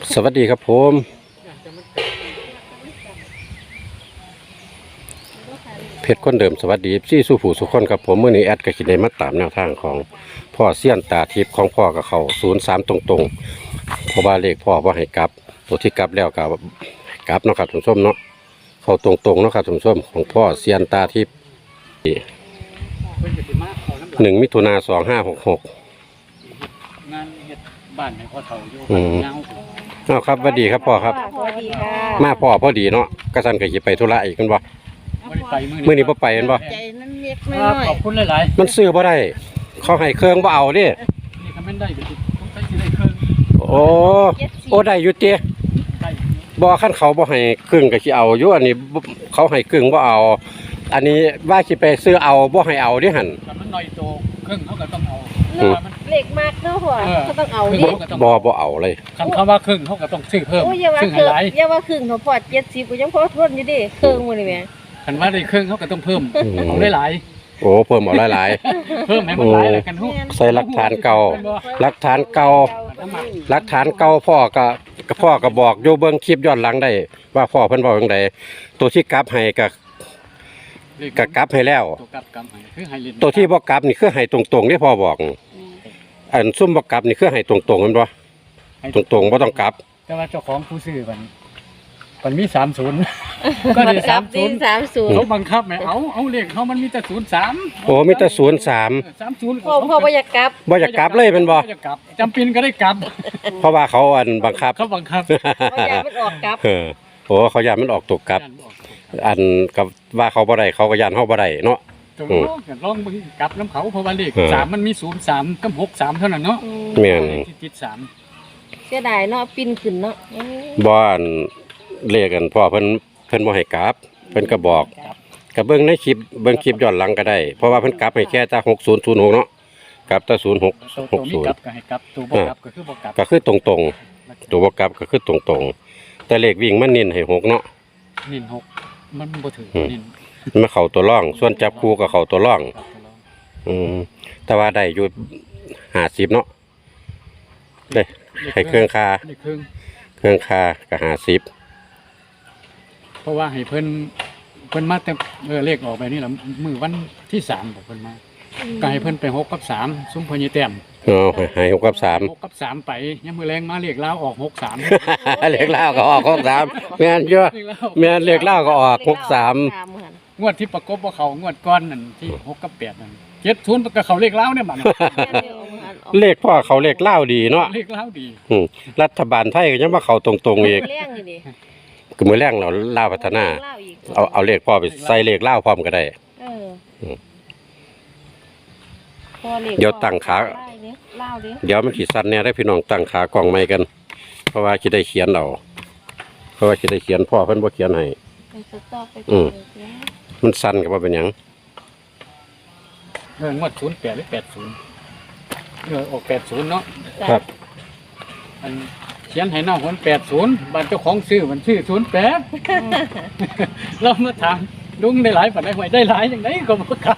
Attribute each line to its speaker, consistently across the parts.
Speaker 1: สวัสดีครับผมเพชรคนเดิมสวัสดีซี่สู้ผู้สุขคนครับผมเมื่อนี้แอดก็คิดได้มาตามแนวทางของพ่อเสี้ยนตาทิพย์ของพ่อกับเขา03ตรงๆเพราะว่าเลขพ่อว่าให้กลับตัวที่กลับแล้วกับกลับเนาะครับท่านผู้ชมเนาะเขาตรงๆเนาะครับท่านผู้ชมของพ่อเสี้ยนตาทิพย์1 มิถุนายน 2566
Speaker 2: งานเฮ็ดบ้านให้พ่อเฒ่าอยู่เงา
Speaker 1: เอาครับสวัสดีครับพ่อครับ
Speaker 3: สวัสดีค่ะ
Speaker 1: มาพ่อพอดีเนาะกระสันก็สิไปธุระอีกกันบ่
Speaker 2: บ่ได้ไป
Speaker 1: มื้อนี้บ่ไปกันบ่
Speaker 3: ใจนั้นเล็กน้
Speaker 2: ครับ
Speaker 3: อย
Speaker 2: ขอบคุณหลาย
Speaker 1: มันซื้อบ่ได้เขาให้เครื่องบ่เอาดิ
Speaker 2: ๆนี่ก็แม่นได้ก็สิต้องใช้สิได้เครื่อง
Speaker 1: โอ้ได้อยู่ติ
Speaker 2: ได้
Speaker 1: บ่คันเขาบ่ให้เครื่องก็สิเอาอยู่อันนี้เขาให้เครื่องบ่เอาอันนี้ว่าสิไปซื้อเอาบ่ให้เอาดิหั่น
Speaker 2: แต่มันน้อยโตเครื่องเขาก็ต้องเอา
Speaker 3: เล็กมากเนาะพ่อก็ต้องเอาดิ
Speaker 1: บ่เอาเลย
Speaker 2: คันคำว่าเครื่องเขาก็ต้องซื้อเพิ่ม
Speaker 3: โอ้ยอย่าว่า
Speaker 2: ซึ่ง
Speaker 3: ครึ่ง
Speaker 2: หลาย
Speaker 3: อย่าว่าครึ่งเนาะพ่อ70ก็ยังพอทนอยู่ดิครึ่งมื้อนี่แหม
Speaker 2: คันว่าได้เครื่องเขาก็ต้องเพิ่มเอาหลาย
Speaker 1: โอ้เพิ่มเอาหลาย
Speaker 2: ๆเพิ่มให้มันหลายแล้วกันฮู้
Speaker 1: ๆใส่หลักฐานเก่าหลักฐานเก่าพ่อก็บอกอยู่เบิ่งคลิปย้อนหลังได้ว่าพ่อเพิ่นเว้าจังไดตัวที่กลับให้ก็กลับให้แล้ว
Speaker 2: ตัวกลับให้คือให้เล่น
Speaker 1: ตัวที่บ่กลับนี่คือให้ตรงๆที่พ่อบอกอันซุ่มบ่กลับนี่คือให้ตรงๆแม่นบ่ตรงๆบ่ต้องกลับ
Speaker 2: แต่ว่าเจ้าของผู้ซื้อมันมี30ก็ได้
Speaker 3: กับดิน
Speaker 2: 30เขาบังคับให้เอาเลขเขามันมีแต่03
Speaker 1: โอ้มีแต่
Speaker 2: 30
Speaker 3: พ่อบ่อยากกลับ
Speaker 1: 03บ่อยากกลับเลยแม่นบ่
Speaker 2: จะกลับจำเป็นก็ได้กลับ
Speaker 1: เพราะว่าเขาอันบังคับ
Speaker 2: เขาบังคับ
Speaker 3: บ่อยากมันออกกลับ
Speaker 1: โอ้เขาย่านมันออกตกกลับ อันกับว่าเขาบ่ได้เขาก็ย่านเฮาบ่ได้เนาะ
Speaker 2: ตรงลองมึงกลับน้ำเขาเพราะว่าเลข3มันมี03กับ63เท่านั้นเนาะ
Speaker 1: แม่น
Speaker 2: ที่ติด3
Speaker 3: เสียดายเนาะปิ้นขึ้นเนาะ
Speaker 1: บ่อันเลขกันพ่อเพิ่นบ่ให้กลับเพิ่นก็บอกก็เบิ่งในคลิปย้อนหลังก็ได้เพราะว่าเพิ่นกลับให้แค่แต่6006เนาะกลับแต่
Speaker 2: ตัวมีกลับก็ให้กลับตัวบ่กลับก็คือบ่กลับ
Speaker 1: 06ก็คือตรงๆตัวบ่กลับก็คือตรงๆแต่เลขวิ่งมันเน้นให้6เนาะ
Speaker 2: นิน6มันบ่ถึงนิน
Speaker 1: มันเข้าตัวร่อง ส่วนจับคู่ก็เข้าตัวร่อง แต่ว่าได้อยู่50เนาะได้ให้เครื่องคาก็50
Speaker 2: เพราะว่าให้เพิ่นมาแต่เลขออกไปนี่ล่ะมื้อวันที่3บอกเพิ่นมาก็ให้เพิ่นไป6กับ3ซุ้มพญแต้ม
Speaker 1: ให้6กับ3
Speaker 2: 6กับ3ไปยามมื้อแลงมาเลขลาวออก63
Speaker 1: เลขลาวก็ออก63แม่นอยู่แม่นเลขลาวก็ออก63
Speaker 2: งวดที่ประกบบ่เข้างวดก่อนนั่นที่6กับ8นั่น70ก็เข้าเลขลาวเนี่ยบัด
Speaker 1: เลขพ่อเขาเลขลาวดีเนาะ
Speaker 2: เลขลาวดี
Speaker 1: รัฐบาลไทยก็ยังมาเข้าตรงๆอีก
Speaker 3: เลี้ยงนี่ดิ
Speaker 1: คือมื้อแรงเราลาวพัฒนาเอาเลขพ่อไปใส่เลขลาวพร้อมก็ได้เดี๋ยวตั้งขาเดี๋ยวมันสิสั่นแน่ได้พี่น้องตั้งขากล้องใหม่กันเพราะว่าสิได้เขียนเอาเพราะว่าสิได้เขียนพ่อเพิ่นบ่เขียนให้มันสั่นก็บ่เป็นหยัง
Speaker 2: งวด08หรือ80ออก80เนาะ
Speaker 1: ครับ
Speaker 2: อันเขียนให้น้องคน80บ้านเจ้าของซื้อมันชื่อ08เรามาถามลุงได้หลายปานใดหวยได้หลายจังได๋ก็บ่กล้า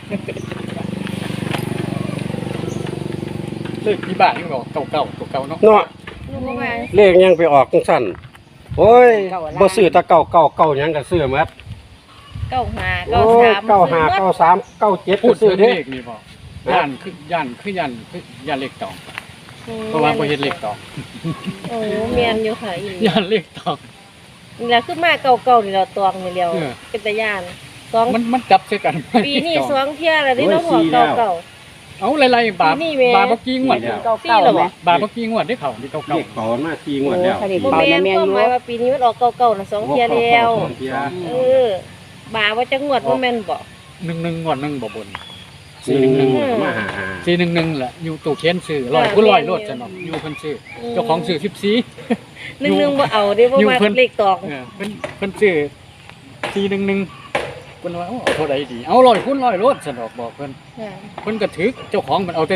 Speaker 2: เลขที่บ้านนี่บอกเก่าตัวเก่าเนาะ
Speaker 1: เนาะเลขยังไปออกจังซั่นโอ้ยบ่ซื้อแต่เก่าหยังก็ซื้อหมด
Speaker 3: 95
Speaker 1: โอ้ย95 93 97
Speaker 2: พู
Speaker 1: ก็
Speaker 2: ด
Speaker 1: ซื้อ
Speaker 2: ถึง
Speaker 1: เด้
Speaker 2: เลขนี่บ่ย่านเลขตองเพราะว่าบ่เฮ็ดเลขตอง
Speaker 3: โอ้แม่นอยู่ค่ะอี
Speaker 2: ย่านเลขตอง
Speaker 3: นี่ล่ะคือมาเก่าๆนี่เราตวงนี่แล้วเป็นตาย่าน
Speaker 2: มันจับใส่กัน
Speaker 3: ปีนี้2เที่ยแล้วนี่เนาะหัวเก่า
Speaker 2: เอาหลายๆบาทบ่กี่งวด
Speaker 3: 4แล้วบ่
Speaker 2: บาทบ่กี่งวดได้เข้านี่เก่า
Speaker 1: เลขต่อมา4งวดแล้ว
Speaker 3: บ่แม่นความหมายว่าปีนี้มันออกเก่าๆน่ะ2เที่ยแล้วบาว่าจักงวดบ่แม่นบ่
Speaker 2: 11งวดนึงบ่บน
Speaker 1: 411มาหา
Speaker 2: 411แหละอยู่ตู้เขียนซื้อ100ผู้100โลดซั่นเนาะอยู่เพิ่นซื้อเจ้าของซื้อ14
Speaker 3: 11บ่เอาเด้บ่มาเลขตอง
Speaker 2: เพิ่นซื้อ411เพิ่นว่าเอาเท่าใดดีเอา100คูณ100โลดซั่นดอกบอกเพิ่นก็ถึกเจ้าของมันเอาแต่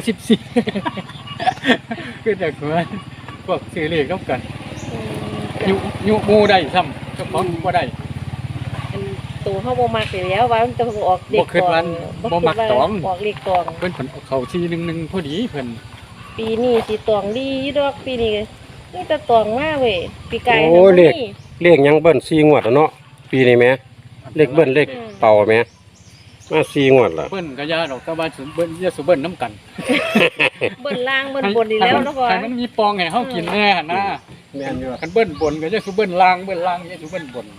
Speaker 2: 14คือแต่พวกซื้อเลขนำกันอยู่หมู่ได้ซ้ำเจ้าของบ่ได้
Speaker 3: ตัวเฮาบ่มักแล้วว่ามันจะออกเลขตองออกเลขตอง
Speaker 2: เพิ่นเข้า411พอดีเพิ่น
Speaker 3: ปีนี้สิตองดีอยู่ดอกปีนี้นี่ตะตองมาเว้ยปีไก่
Speaker 1: โอ้เลขเลขหยังเบิ้ล4งวดแล้วเนาะปีนี้แหมเลขเบิ้ลเลขเป่าแหมมา4งวดล่ะ
Speaker 2: เบิ้ลก็ยาดอกก็ว่าสุเบิ้ลยาสุเบิ้ลน้ำกัน
Speaker 3: เบิ้ลล่างเบิ้ลบนดีแล้วเนาะพ่อ
Speaker 2: ให้มันมีปองให้เฮากินแน่นะ
Speaker 1: แม่นอยู่
Speaker 2: กันเบิ้ลบนก็ยาสุเบิ้ลล่างเบิ้ลล่างยาสุเบิ้ลบน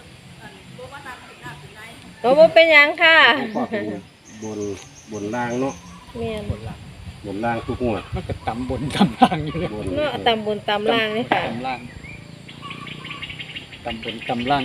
Speaker 3: ตัวบ่เป็นหยังค่ะ
Speaker 1: บนล่างเนาะ
Speaker 3: แม่น
Speaker 2: บนล่าง
Speaker 1: บนล่างทุกงวด
Speaker 2: มันก็ต่ำบนต่ำล่างอยู่เลย
Speaker 1: บน
Speaker 3: เนาะตำบนตำล่างนี่ค่ะ
Speaker 2: ต่ำล่างต่ำบนต่ำล่าง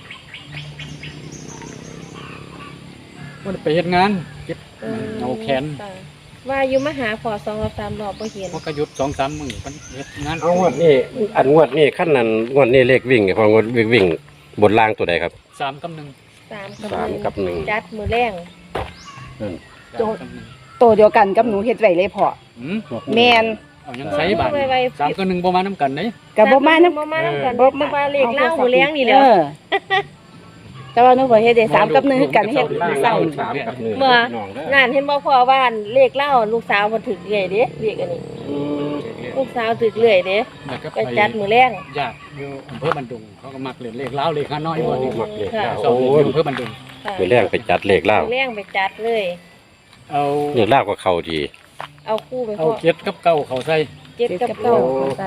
Speaker 2: มันไปเฮ็ดงานเก็บเอาแขน
Speaker 3: ค่ะว่าอยู่มาหาพอ2 3รอบบ่เห็น
Speaker 2: มันก็หยุด2-3 มื้อมันเฮ็ดงาน
Speaker 1: เอางวดนี้อันงวดนี้ขั้นนั้นงวดนี้เลขวิ่งเนี่ยพองวดวิ่งบนล่างตัวใดครับ
Speaker 2: 3 กับ 1
Speaker 1: 3 กับ 1
Speaker 3: จัดมือแรง
Speaker 1: นั่น
Speaker 2: 3 กับ
Speaker 4: โตเดียวกันกับหนูเฮ็ดไว้เลยพ่อ
Speaker 2: 1หืม
Speaker 4: แม่น
Speaker 2: เอายังใส่บาท3 กับ 1บ่มานํกันเด้
Speaker 4: ก็บ่มานํ
Speaker 3: บ่มานํกันบ่มาเลขเล่ามือแรงนี่แหละ
Speaker 4: แต่ว่าหนูบ่เฮ็ดได้3กับ1คือกันเฮ็ดเศร้า
Speaker 1: 3 กับ 1
Speaker 3: เมื่อ
Speaker 1: น้องเด้อ
Speaker 3: นั่นเห็นบ่พ่อว่าเลขเล่าลูกสาวเพิ่นถึกเรื่อยเด้เลขอันนี้ลูกสาวถึกเรื่อยเด้
Speaker 2: แล้วก็
Speaker 3: ไป
Speaker 2: ไป
Speaker 3: จัดมือแรง
Speaker 2: ญาติอยู่อำเภอบันดุงเขาก็มักเล่นเลขลาวเลขฮานอย
Speaker 1: โอ้
Speaker 2: บ่นี่
Speaker 1: มักเลข
Speaker 3: ค่ะ
Speaker 1: เล่า
Speaker 2: สอง
Speaker 1: โอ้
Speaker 2: เล่น
Speaker 1: ย
Speaker 2: อยู่อำเภอบันดุง
Speaker 3: ค่ะ
Speaker 1: มือแรงไปจัดเลขเล่า
Speaker 3: มือแรงไปจัดเลย
Speaker 2: เอา
Speaker 1: เลขเล่าก็เข้าดี
Speaker 3: เอาคู่ไป
Speaker 2: เอา
Speaker 3: พ่อ
Speaker 2: เจ็ดกับเก้าเขาใส่
Speaker 3: เจ็ดกับเก้าใส่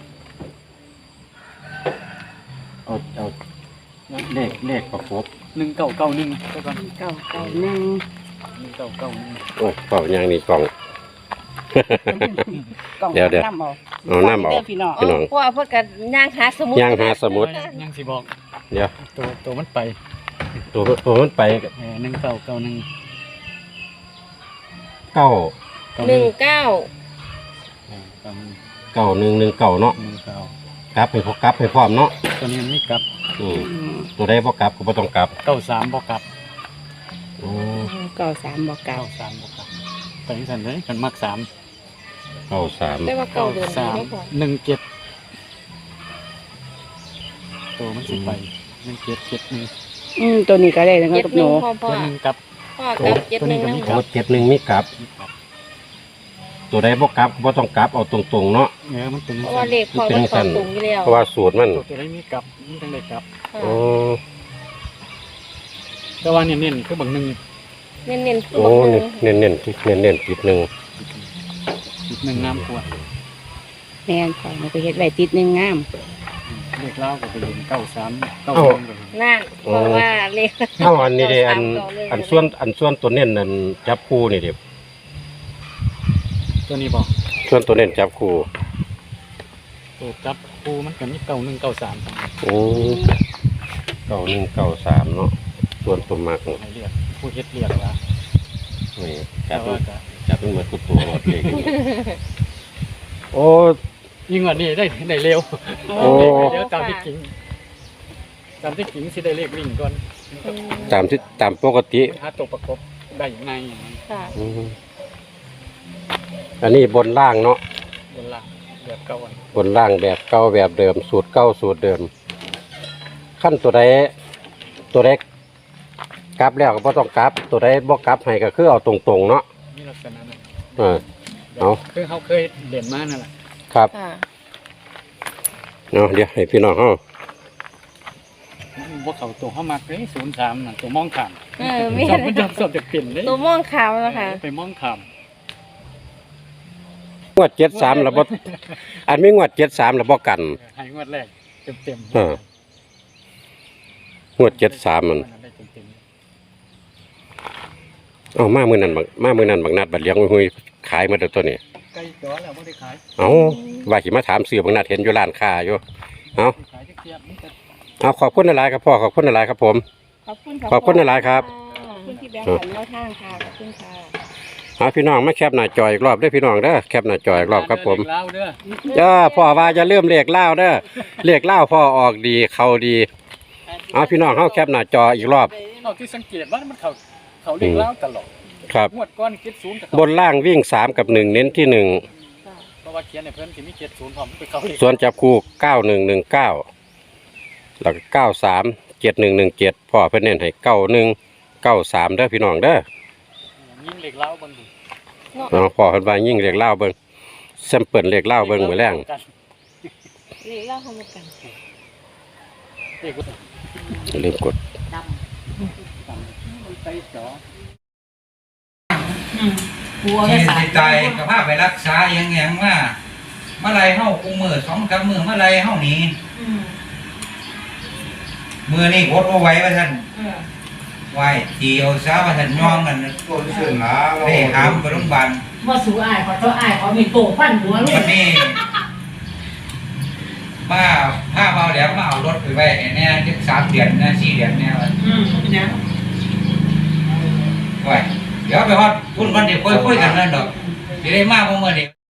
Speaker 1: เอาเลขประกบ
Speaker 2: 1991ก็ก่อน
Speaker 4: เก้าเก้า1
Speaker 2: 1991
Speaker 1: โอ้ยเป่าอย่างนี้กล่อง
Speaker 4: กล่อง
Speaker 1: เดี๋ยว
Speaker 4: น้ำเอา
Speaker 1: เอาน้ำเอา
Speaker 4: ด้พี่น้อง
Speaker 1: พี่น้อง
Speaker 3: พ่อเพิ่นก็ย่างหาสมุด
Speaker 1: ย่างหาสมุด
Speaker 2: ยังสิบอก
Speaker 1: เดี๋ยว
Speaker 2: ตัวมันไป
Speaker 1: ตัวมันไป
Speaker 2: 1991
Speaker 1: เก้า
Speaker 3: 19
Speaker 1: เก้า1 1 9เนาะ
Speaker 2: 19
Speaker 1: กลับให้พอกลับให้พร้อมเนาะ
Speaker 2: ตัวนี้มันมีกลับ
Speaker 1: อืมตัวใดบ่กลับก็บ่ต้องกลับ
Speaker 2: 93บ่กลับ
Speaker 1: อืม
Speaker 4: 93บ่เก้า
Speaker 2: 93บ่กลับไปจังซั่นเลยกันมัก3
Speaker 1: 93
Speaker 3: แต่ว่าเก้าเดือนดีเนาะพ่อ
Speaker 2: 17ตัวมันสิไป1771
Speaker 4: ตัวนี้ก็ได้นะครั
Speaker 3: เจ็
Speaker 4: บ
Speaker 3: ด
Speaker 4: กับ
Speaker 3: ห
Speaker 4: ห
Speaker 3: นึ่
Speaker 4: นู
Speaker 3: งพ่อพ่อ
Speaker 2: ตัวหนึงกลับ
Speaker 3: พ่อกับเจ็ดหนึ่ง
Speaker 2: ตัวนี้
Speaker 3: นะ
Speaker 2: ก็
Speaker 1: โอ้71มีกลับ ตัวใดบ่กลับบ่ต้องกลับเอาตรงๆเนาะ
Speaker 2: มันเป็น
Speaker 3: เพราะว่าเลขพ่อมันเข้าตรงอยู่แล้ว
Speaker 1: เพราะว่าสูตรมัน
Speaker 2: ตัวได้มีกลับมันจังได้กลับ
Speaker 1: โอ้
Speaker 2: แต่ว่าเน้นๆคือบางหนึง
Speaker 3: เน้นๆ
Speaker 1: โอ้เน้นๆที่เน้นๆติดหนึง
Speaker 2: อีกหนึ่งน้ำขวด
Speaker 4: แม่นพ่อหนูก็เฮ็ดไว้ติดหนึงงาม
Speaker 2: เลขเล่าก็ไปเรียน93 91ก็
Speaker 3: นั่นเพราะว่าเลข
Speaker 1: เอ้าอันนี้เด้อันส่วนตัวเน้นนั่นจับคู่นี่เด้
Speaker 2: ตัวนี้บอก
Speaker 1: ส่วนตัวเน้นจับคู่
Speaker 2: ตัวจับครูมันก็มี91 93
Speaker 1: โอ้9193เนาะส่วนตัวมักนี่
Speaker 2: ให้เรียกผู้เฮ็ดเรียกว่า
Speaker 1: จั
Speaker 2: แต่
Speaker 1: บ
Speaker 2: ว่าก็
Speaker 1: จับเป็นเหมือนกุตัวหมดเลยโอ้
Speaker 2: ยิ่งกว่านี้ได้เร็ว
Speaker 1: โอ้
Speaker 2: เดี๋ยวตามที่จริงสิได้เลขวิ่งก่อน
Speaker 1: ตามปกติ
Speaker 2: หาตัวประกบได้ยังไงอย่างนั้น
Speaker 3: ค่ะ
Speaker 1: อืมอันนี้บนล่างเนาะ
Speaker 2: บนล่างแบบเก่าอัน
Speaker 1: บนล่างแบบเก่าแบบเดิมสูตรเก่าสูตรเดิม ขั้นตัวใดกลับแล้วก็บ่ต้องกลับ ตัวใดบ่กลับให้ก็คือเอาตรงๆเนาะ
Speaker 2: มีลักษณะนั้น
Speaker 1: เออ เอา
Speaker 2: คือเขาเคยเด่นมานั่นแหละ
Speaker 1: ครับ
Speaker 3: ค่ะ
Speaker 1: เนาะเดี๋ยวให้พี่น้องเฮา
Speaker 2: พวกเขาตัวเข้ามาเลย03น่ะตัวมองขาม
Speaker 3: มี
Speaker 2: ชอบมันชอบจะเปลี่ยนเลย
Speaker 3: ตัวม่วงขาวนะคะ
Speaker 2: ไปมองขาม
Speaker 1: งวด73แล้วบ่อันมีงวด73แล้วบ่กัน
Speaker 2: ให้งวดแรกเต็ม
Speaker 1: เออ งวด73มัน
Speaker 2: ได้เต็ม
Speaker 1: เอามามื้อนั้นบักนัดบัดเลี้ยงหุยขายหมดแล้วตัวนี้
Speaker 2: ๆใกล้ตัวแล้วไม่ได้ขาย
Speaker 1: เอาว่าสิมาถามซื้อบักนัดเห็นอยู่ร้านค้าอยู่เอา
Speaker 2: ขายจะเทียบนี่แต่
Speaker 1: เอาขอบคุณหลายๆครับพ่อขอบคุณหลายๆครับผม
Speaker 4: ขอบคุณ
Speaker 1: ขอบคุณหลายๆครับ
Speaker 4: ขอบคุณที่แบ่งปันแนวทางค่ะขอบคุณค่ะ
Speaker 1: เอาพี่น้องมาแคปหน้าจออีกรอบเด้อพี่น้องเด้อแคปหน้าจออีกรอบครับผม
Speaker 2: เล่าเด้อ
Speaker 1: พ่อว่าจะเริ่มเลขเล่าวเด้อเลขเล่าวพ่อออกดีเข้าดีเอาพี่น้องเฮาแคปหน้าจออีกรอบ
Speaker 2: เราที่สังเกตว่ามันเขาเรียกเล่าตลอด
Speaker 1: ครับ
Speaker 2: งวดก้อนคิด0กับบ
Speaker 1: นล่างวิ่ง3กับ1เน้นที่1
Speaker 2: เพราะว่าเขียนในเพิ่นสิมี70พร้อมไปเขาเรียก
Speaker 1: ส่วนจับคู่9119แล้วก็937117พ่อเพิ่นเน้นให้9193เด้อพี่น้องเด้อ
Speaker 2: ยิ่งเล็กเล่าบนดู
Speaker 1: เอาพ่อเพิ่นว่ายิ่งเลขเล่าวเบิ่งแซมเปิลเลขเล่าวเบิ่งมื้อแรง
Speaker 3: เลขเล่าทำกัน
Speaker 2: เด็ก
Speaker 1: อย่าลืมกด
Speaker 2: มันไปจอ
Speaker 5: ที่สิตายกับภาพไปรักษาอย่างว่าเมื่อไรเฮากูมือ2-3มือเมื่อไรเฮาหนีมือนี่กดว่าไหว้ว่าท่านไหว้ตีเอาซาว่าท่านย่องกันได้หามไปโรงพยาบาล
Speaker 6: ว่าสูอายขอเจ้าอายขอมีโตฟันหัวลู
Speaker 5: วั
Speaker 6: ก
Speaker 5: นนี้มาผ้าเบาแหลมมาเอารถไปไว้ให้แน่จัก3 เดือนนะ4 เดือนแน่ว่า
Speaker 6: เป็นยัง
Speaker 5: ไว้เดี๋ยวไปฮอดพุ่นวันเดี๋ยวคุยกันนั่นดอกสิได้มาบ่มื้อนี้